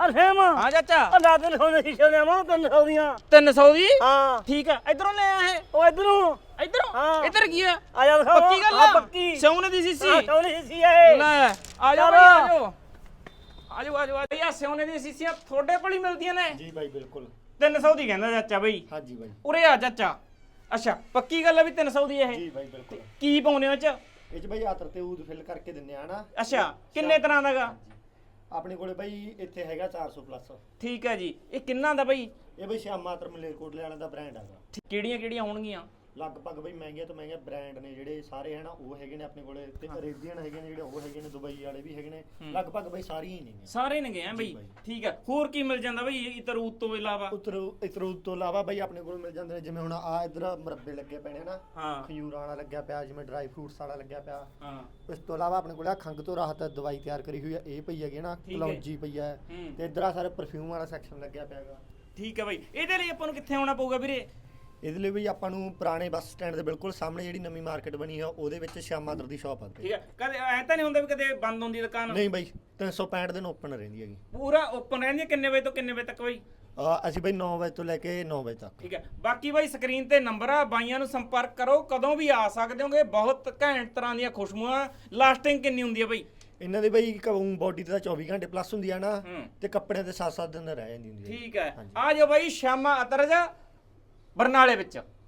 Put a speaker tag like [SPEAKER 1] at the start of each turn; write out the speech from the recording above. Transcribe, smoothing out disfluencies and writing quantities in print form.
[SPEAKER 1] ਅਰਹਮ
[SPEAKER 2] ਹਾਂ ਚਾਚਾ
[SPEAKER 1] ਅੱਲਾ ਦਿਨ ਹੋਣੇ ਸ਼ੀਸ਼ੇ ਨੇ ਮਾਂ 300 ਦੀਆਂ
[SPEAKER 2] 300 ਦੀ
[SPEAKER 1] ਹਾਂ
[SPEAKER 2] ਠੀਕ ਆ ਇਧਰੋਂ ਲੈ ਆਏ
[SPEAKER 1] ਉਹ ਇਧਰੋਂ
[SPEAKER 2] ਇਧਰੋਂ
[SPEAKER 1] ਹਾਂ।
[SPEAKER 2] ਇਧਰ ਕੀ ਆ
[SPEAKER 1] ਆ ਜਾ ਦਿਖਾਓ
[SPEAKER 2] ਪੱਕੀ ਗੱਲ
[SPEAKER 1] ਹਾਂ,
[SPEAKER 2] ਆ
[SPEAKER 1] ਪੱਕੀ
[SPEAKER 2] ਸੋਨੇ ਦੀ ਸੀਸੀ
[SPEAKER 1] ਹਾਂ ਸੋਹਣੀ ਸ਼ੀਸ਼ੀ ਹੈ
[SPEAKER 2] ਲੈ ਆ ਜਾਓ
[SPEAKER 1] ਚਲੋ।
[SPEAKER 2] ਆ ਜਾਓ ਆ ਜਾਓ ਆ ਸੋਨੇ ਦੀਆਂ ਸੀਸੀਆਂ ਤੁਹਾਡੇ ਕੋਲ ਹੀ ਮਿਲਦੀਆਂ ਨੇ
[SPEAKER 3] ਜੀ ਬਾਈ ਬਿਲਕੁਲ
[SPEAKER 2] 300 ਦੀ ਕਹਿੰਦਾ ਚਾਚਾ ਬਈ
[SPEAKER 3] ਹਾਂਜੀ ਬਾਈ
[SPEAKER 2] ਉਰੇ ਆ ਚਾਚਾ ਅੱਛਾ ਪੱਕੀ ਗੱਲ ਆ ਵੀ 300 ਦੀ ਇਹ
[SPEAKER 3] ਜੀ ਬਾਈ ਬਿਲਕੁਲ
[SPEAKER 2] ਕੀ ਪਾਉਨੇ ਹੋ ਚ
[SPEAKER 3] ਇਹ ਚ ਬਾਈ ਆਤਰ ਤੇ ਊਦ ਫਿਲ ਕਰਕੇ ਦਿੰਨੇ ਆ ਨਾ
[SPEAKER 2] ਅੱਛਾ ਕਿੰਨੇ ਤਰ੍ਹਾਂ ਦਾਗਾ
[SPEAKER 3] ਆਪਣੇ ਕੋਲੇ ਬਾਈ ਇੱਥੇ ਹੈਗਾ 400 ਪਲੱਸ
[SPEAKER 2] ਠੀਕ ਹੈ ਜੀ ਇਹ ਕਿੰਨਾ ਦਾ ਬਈ
[SPEAKER 3] ਇਹ ਬਾਈ ਸ਼ਾਮ ਆਤਰ ਮਲੇਰਕੋਟਲੇ ਵਾਲਿਆਂ ਦਾ ਬ੍ਰਾਂਡ ਹੈਗਾ
[SPEAKER 2] ਕਿਹੜੀਆਂ ਕਿਹੜੀਆਂ ਹੋਣਗੀਆਂ
[SPEAKER 3] ਲਗਭਗ ਬਾਈ ਮਹਿੰਗੇ ਤੋਂ ਮਹਿੰਗੇ ਬ੍ਰਾਂਡ ਨੇ ਜਿਹੜੇ ਸਾਰੇ ਹਨ ਉਹ ਹੈਗੇ ਨੇ ਆਪਣੇ ਕੋਲੇ ਤੇ ਅਰੇਬੀਅਨ ਹੈਗੇ ਨੇ ਜਿਹੜੇ ਉਹ ਹੈਗੇ ਨੇ ਦੁਬਈ ਵਾਲੇ ਵੀ ਹੈਗੇ ਨੇ ਲਗਭਗ ਬਾਈ ਸਾਰੀਆਂ ਹੀ ਨੇ
[SPEAKER 2] ਸਾਰੇ ਨੇਗੇ ਆ ਬਈ ਠੀਕ ਹੈ ਹੋਰ ਕੀ ਮਿਲ ਜਾਂਦਾ ਬਈ ਇਤਰੂਤ ਤੋਂ ਇਲਾਵਾ
[SPEAKER 3] ਇਤਰੂਦ ਤੋਂ ਇਲਾਵਾ ਬਾਈ ਆਪਣੇ ਕੋਲ ਮਿਲ ਜਾਂਦੇ ਨੇ ਜਿਵੇਂ ਹੁਣ ਆ ਇਧਰ ਮੁਰੱਬੇ ਲੱਗੇ ਪਏ ਨੇ ਨਾ
[SPEAKER 2] ਹਾਂ
[SPEAKER 3] ਖਜੂਰਾਂ ਵਾਲਾ ਲੱਗਿਆ ਪਿਆ ਜਿਵੇਂ ਡਰਾਈ ਫਰੂਟਸ ਵਾਲਾ ਲੱਗਿਆ ਪਿਆ
[SPEAKER 2] ਹਾਂ
[SPEAKER 3] ਇਸ ਤੋਂ ਇਲਾਵਾ ਆਪਣੇ ਕੋਲ ਆ ਖੰਗ ਤੋਂ ਰਾਹਤ ਦਵਾਈ ਤਿਆਰ ਕਰੀ ਹੋਈ ਹੈ ਇਹ ਪਈ ਹੈਗੀ ਨਾ ਕਲੌਂਜੀ ਪਈ ਹੈ ਤੇ ਇਧਰ ਆ ਸਾਰੇ ਪਰਫਿਊਮ ਵਾਲਾ ਸੈਕਸ਼ਨ ਲੱਗਿਆ ਪਿਆ ਹੈਗਾ
[SPEAKER 2] ਠੀਕ ਹੈ ਬਈ ਇਹਦੇ ਲਈ ਆਪਾਂ ਨੂੰ ਕਿੱਥੇ ਆਉਣਾ ਪਊਗਾ ਵੀਰੇ
[SPEAKER 3] ਇਹਦੇ ਲਈ ਵੀ ਆਪਾਂ ਨੂੰ ਪੁਰਾਣੇ ਬੱਸ ਸਟੈਂਡ ਦੇ ਬਿਲਕੁਲ ਸਾਹਮਣੇ ਜਿਹੜੀ ਨਵੀਂ ਮਾਰਕੀਟ ਬਣੀ ਆ ਉਹਦੇ ਵਿੱਚ ਸ਼ਾਮ ਆਦਰ ਦੀ ਸ਼ਾਪ ਆ
[SPEAKER 2] ਠੀਕ ਹੈ ਕਦੇ ਐ ਤਾਂ ਨਹੀਂ ਹੁੰਦਾ ਵੀ ਕਦੇ ਬੰਦ ਹੁੰਦੀ ਦੁਕਾਨ
[SPEAKER 3] ਨਹੀਂ ਬਾਈ 365 ਦਿਨ ਓਪਨ ਰਹਿੰਦੀ ਹੈਗੀ
[SPEAKER 2] ਪੂਰਾ ਓਪਨ ਰਹਿੰਦੀ ਹੈ ਕਿੰਨੇ ਵਜੇ ਤੋਂ ਕਿੰਨੇ ਵਜੇ ਤੱਕ ਬਈ
[SPEAKER 3] ਅਸੀਂ ਬਾਈ 9 ਵਜੇ ਤੋਂ ਲੈ ਕੇ 9 ਵਜੇ ਤੱਕ
[SPEAKER 2] ਠੀਕ ਹੈ ਬਾਕੀ ਬਾਈ ਸਕਰੀਨ ਤੇ ਨੰਬਰ ਆ ਬਾਈਆਂ ਨੂੰ ਸੰਪਰਕ ਕਰੋ ਕਦੋਂ ਵੀ ਆ ਸਕਦੇ ਹੋਗੇ ਬਹੁਤ ਘੈਂਟ ਤਰ੍ਹਾਂ ਦੀਆਂ ਖੁਸ਼ਬੂਆਂ ਲਾਸਟਿੰਗ ਕਿੰਨੀ ਹੁੰਦੀ ਹੈ ਬਈ
[SPEAKER 3] ਇਹਨਾਂ ਦੀ ਬਾਈ ਬੋਡੀ ਤੇ ਤਾਂ 24 ਘੰਟੇ ਪਲੱਸ ਹੁੰਦੀ ਆ ਨਾ ਤੇ ਕੱਪੜਿਆਂ ਤੇ 7-7 ਦਿਨ ਰਹਿ ਜਾਂਦੀ ਹੁੰਦੀ ਹੈ
[SPEAKER 2] ਠੀਕ ਹੈ ਆ ਜਾਓ ਬਾਈ ਸ਼ਾਮਾ ਅਤਰਜ ਬਰਨਾਲੇ ਵਿੱਚ